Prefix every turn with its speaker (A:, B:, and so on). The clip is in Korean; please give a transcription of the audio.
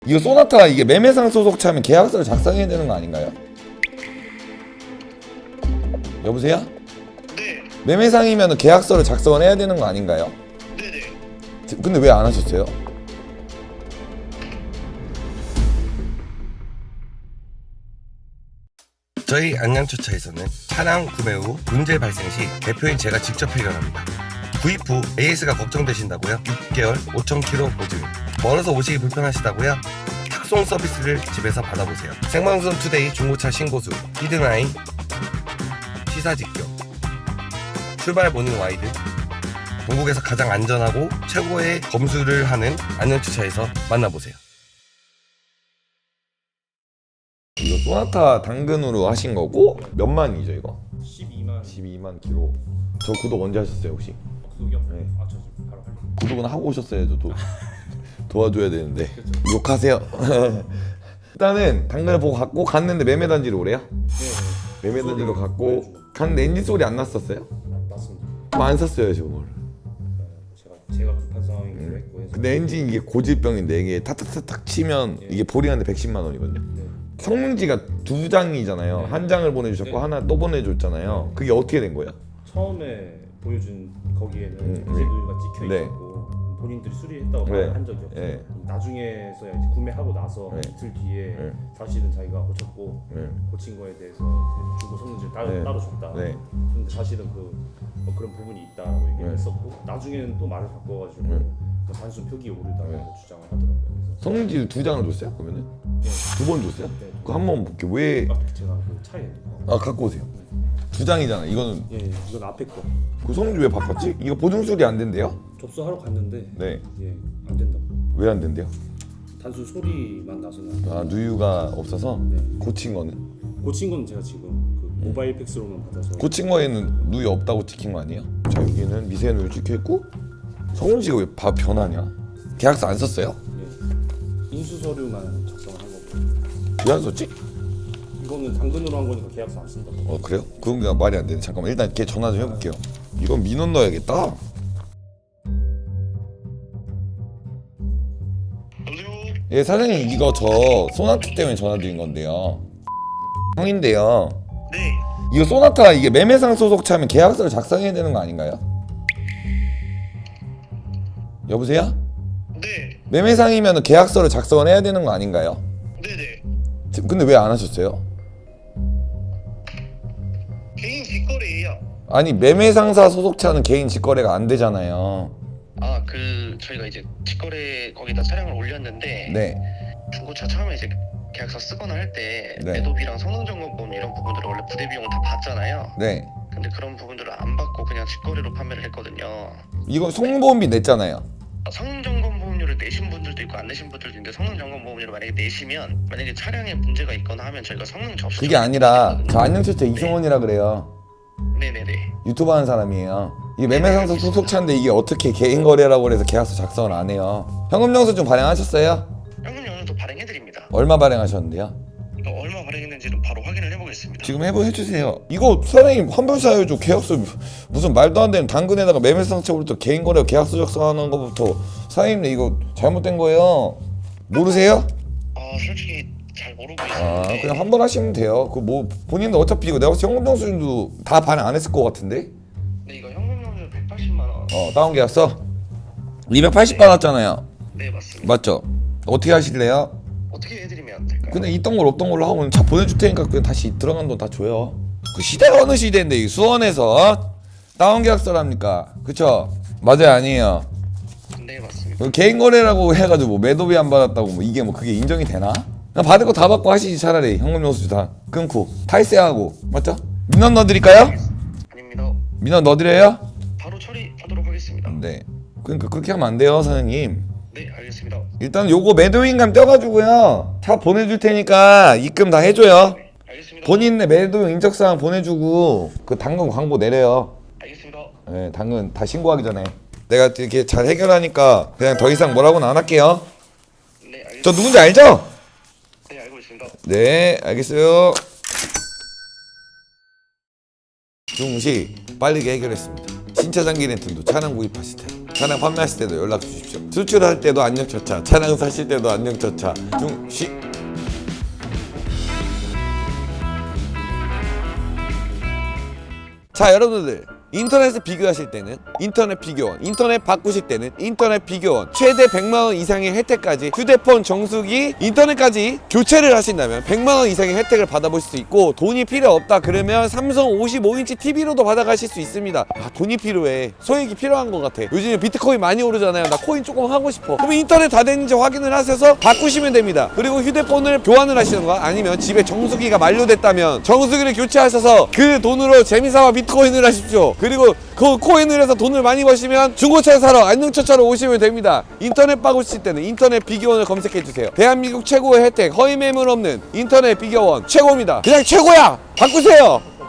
A: 이거 소나타 이게 매매상 소속차면 계약서를 작성해야 되는 거 아닌가요? 여보세요?
B: 네.
A: 매매상이면 계약서를 작성을 해야 되는 거 아닌가요?
B: 네네.
A: 근데 왜 안 하셨어요?
C: 저희 안양주차에서는 차량 구매 후 문제 발생 시 대표인 제가 직접 해결합니다. 구입 후 AS가 걱정되신다고요? 6개월 5,000km 보증. 멀어서 오시기 불편하시다고요? 탁송 서비스를 집에서 받아보세요. 생방송 투데이 중고차 신고수, 히든아이, 시사 직격, 출발 모닝 와이드, 전국에서 가장 안전하고 최고의 검수를 하는 안양주차에서 만나보세요.
A: 이거 소나타 당근으로 하신 거고 몇만이죠 이거?
D: 12만
A: 12만 킬로. 저 구독 언제 하셨어요 혹시?
D: 구독이요?
A: 네.
D: 아, 저 지금 바로 하려고.
A: 구독은 하고 오셨어야죠. 도와줘야 되는데.
D: 그렇죠.
A: 욕하세요. 일단은 당근을 보고 갖고 갔는데 매매단지로 오래요?
D: 네.
A: 매매단지로 갖고 갔는데 엔진 소리 안 났었어요?
D: 맞습니다.
A: 그럼 안 샀어요 저걸.
D: 제가 급한 상황이기도 했고 해서.
A: 근데 엔진 이게 고질병인데 이게 탁탁탁탁 치면 이게 보링하는데 110만 원이거든요.
D: 네.
A: 성능지가 두 장이잖아요.
D: 네.
A: 한 장을 보내주셨고
D: 네.
A: 하나 또 보내줬잖아요. 그게 어떻게 된 거예요?
D: 처음에 보여준 거기에는
A: 네.
D: 제도가 찍혀
A: 네.
D: 있었고 본인들이 수리했다고
A: 네.
D: 한 적이 없어요.
A: 네.
D: 나중에서야 이제 구매하고 나서
A: 네.
D: 이틀 뒤에
A: 네.
D: 사실은 자기가 고쳤고
A: 네.
D: 고친 거에 대해서 중고 성능지를
A: 네.
D: 따로 줬다.
A: 네.
D: 근데 사실은 그런 부분이 있다라고 얘기를
A: 네.
D: 했었고 나중에는 또 말을 바꿔가지고
A: 네.
D: 단순 표기 오류다라고
A: 네.
D: 주장을 하더라고요. 그래서
A: 성능지 두 장을 줬어요? 그러면은?
D: 네.
A: 두 번 줬어요?
D: 네.
A: 그 한 번 볼게요. 왜?
D: 제가 그 차에
A: 갖고 오세요. 두 장이잖아. 이거는
D: 예, 이건 앞에 거
A: 그 성능지 왜 바꿨지? 이거 보증 수리 안 된대요?
D: 접수하러 갔는데
A: 네.
D: 예, 안 된다고.
A: 왜 안 된대요?
D: 단순 소리만 나서는
A: 누유가 없어서
D: 네.
A: 고친 거는?
D: 고친 건 제가 지금 그 모바일 팩스로만 받아서
A: 고친 거에는 누유 없다고 찍힌 거 아니에요? 자 여기는 미세 누유 찍혀 있고 성능지가 왜 변하냐? 계약서 안 썼어요?
D: 예, 인수 서류만 작성을 한 거고
A: 왜 안 썼지?
D: 이거는 당근으로 한 거니까 계약서 안 쓴다고.
A: 그래요? 그건 그냥 말이 안 되네. 잠깐만 일단 걔 전화 좀 해볼게요. 이건 민원 넣어야겠다.
B: 여보세요?
A: 예 사장님 이거 저 소나타 때문에 전화드린 건데요. 형인데요.
B: 네.
A: 이거 소나타 이게 매매상 소속차면 계약서를 작성해야 되는 거 아닌가요? 여보세요?
B: 네.
A: 매매상이면 계약서를 작성을 해야 되는 거 아닌가요?
B: 네네.
A: 근데 왜 안 하셨어요?
B: 개인 직거래예요.
A: 아니 매매상사 소속차는 개인 직거래가 안 되잖아요.
B: 아, 저희가 이제 직거래 거기다 차량을 올렸는데
A: 네.
B: 중고차 처음에 이제 계약서 쓰거나 할 때
A: 네.
B: 매도비랑 성능점검 이런 부분들을 원래 부대 비용을 다 받잖아요.
A: 네.
B: 근데 그런 부분들을 안 받고 그냥 직거래로 판매를 했거든요.
A: 이거 송보험비 냈잖아요.
B: 성능점검 보험료를 내신 분들도 있고 안 내신 분들도 있는데 성능점검 보험료를 만약에 내시면 만약에 차량에 문제가 있거나 하면 저희가 성능 접수
A: 그게 아니라 저 안녕철자 이승원이라 그래요.
B: 네네네.
A: 유튜브 하는 사람이에요. 이게 매매상사 소속차인데 이게 어떻게 개인 거래라고 그래서 계약서 작성을 안 해요. 현금 영수증 발행하셨어요?
B: 현금 영수도 발행해드립니다.
A: 얼마 발행하셨는데요?
B: 얼마 발행했는지는 바로 확인을 해보겠습니다.
A: 지금 해주세요. 이거 사장님 환불사유죠. 계약서 무슨 말도 안 되는 당근에다가 매매상처부터 개인 거래 계약서 작성하는 것부터 사장님 이거 잘못된 거예요. 모르세요?
B: 솔직히 잘 모르고
A: 아
B: 있었는데
A: 그냥 환불하시면 돼요. 그 뭐 본인도 어차피 이거 내가 현금 영수증도 다 발행 안 했을 것 같은데?
B: 네, 이거 현금 영수 180만 원.
A: 다운 계약서 280 받았잖아요.
B: 네, 맞습니다.
A: 맞죠? 어떻게 하실래요?
B: 어떻게 해드리면 될까요?
A: 근데 있던 걸 없던 걸로 하고 차 보내줄 테니까 그냥 다시 들어간 돈 다 줘요. 그 시대가 어느 시대인데 이 수원에서 다운 계약서랍니까? 그쵸? 맞아요 아니에요?
B: 네, 맞습니다.
A: 그 개인 거래라고 해가지고 뭐 매도비 안 받았다고 뭐 이게 뭐 그게 인정이 되나? 그냥 받을 거 다 받고 하시지 차라리 현금 영수증 다 끊고 탈세하고 맞죠? 민원 넣어드릴까요?
B: 아닙니다.
A: 민원 넣어드려요?
B: 바로 처리하도록 하겠습니다.
A: 네. 그러니까 그렇게 하면 안 돼요 사장님.
B: 네, 알겠습니다.
A: 일단 요거 매도인감 떼가지고요 차 보내줄 테니까 입금 다 해줘요.
B: 알겠습니다.
A: 본인의 매도 인적사항 보내주고 그 당근 광고 내려요.
B: 알겠습니다.
A: 네, 당근 다 신고하기 전에 내가 이렇게 잘 해결하니까 그냥 더 이상 뭐라고는 안 할게요.
B: 네, 알겠습니다.
A: 저 누군지 알죠?
B: 네, 알고 있습니다.
A: 네, 알겠어요. 중시 빠르게 해결했습니다. 신차 장기 렌트도 차량 구입하실 때 차량 판매하실 때도 연락 주십시오. 수출할 때도 안녕처차, 차량 사실 때도 안녕처차 중시. 자, 여러분들 인터넷을 비교하실 때는 인터넷 비교원, 인터넷 바꾸실 때는 인터넷 비교원, 최대 100만원 이상의 혜택까지 휴대폰, 정수기, 인터넷까지 교체를 하신다면 100만원 이상의 혜택을 받아보실 수 있고, 돈이 필요 없다 그러면 삼성 55인치 TV로도 받아가실 수 있습니다. 아, 돈이 필요해, 소액이 필요한 것 같아, 요즘에 비트코인 많이 오르잖아요, 나 코인 조금 하고 싶어, 그럼 인터넷 다 됐는지 확인을 하셔서 바꾸시면 됩니다. 그리고 휴대폰을 교환을 하시는 거, 아니면 집에 정수기가 만료됐다면 정수기를 교체하셔서 그 돈으로 재미삼아 비트코인을 하십시오. 그리고 그 코인을 해서 돈을 많이 버시면 중고차 사러 안녕처차로 오시면 됩니다. 인터넷 바꾸실 때는 인터넷 비교원을 검색해주세요. 대한민국 최고의 혜택, 허위 매물 없는 인터넷 비교원 최고입니다. 그냥 최고야! 바꾸세요!